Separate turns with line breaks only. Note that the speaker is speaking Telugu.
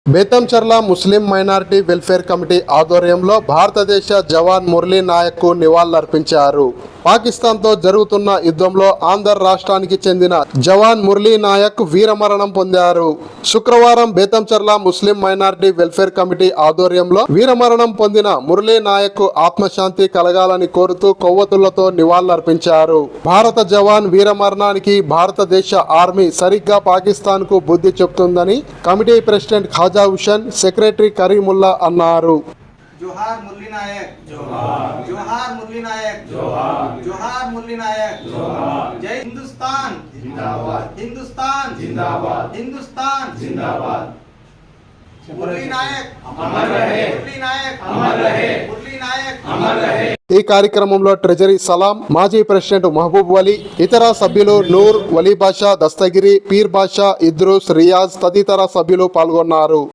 Betamcherla Muslim minority welfare committee ఆధ్వర్యంలో భారతదేశ జవాన్ మురళీ నాయక్కు నివాళులర్పించారు. పాకిస్తాన్తో జరుగుతున్న యుద్ధంలో ఆంధ్ర రాష్ట్రానికి చెందిన జవాన్ మురళీ నాయక్ వీరమరణం పొందారు. శుక్రవారం Bethamcherla Muslim minority welfare committee ఆధ్వర్యంలో వీరమరణం పొందిన మురళీ నాయక్ ఆత్మశాంతి కలగాలని కోరుతూ కొవ్వొత్తులతో నివాళులర్పించారు. భారత జవాన్ వీరమరణానికి భారతదేశ ఆర్మీ సరిగ్గా పాకిస్తాన్ కు బుద్ధి చెప్తుందని committee president Khaja Hussain, secretary Kareemulla అన్నారు.
जोहार मुरली नायक, जोहार जोहार मुरली नायक, जोहार जोहार मुरली नायक, जोहार जय हिंदुस्तान जिंदाबाद, हिंदुस्तान जिंदाबाद, हिंदुस्तान जिंदाबाद। मुरली नायक अमर रहे, मुरली नायक अमर रहे, मुरली नायक अमर रहे।
ఈ కార్యక్రమంలో ట్రెజరీ సలాం, మాజీ ప్రెసిడెంట్ మహబూబ్ వలి, ఇతర సభ్యులు నూర్, వలీ బాషా, దస్తగిరి, పీర్ బాషా, ఇద్రూస్, రియాజ్ తదితర సభ్యులు పాల్గొన్నారు.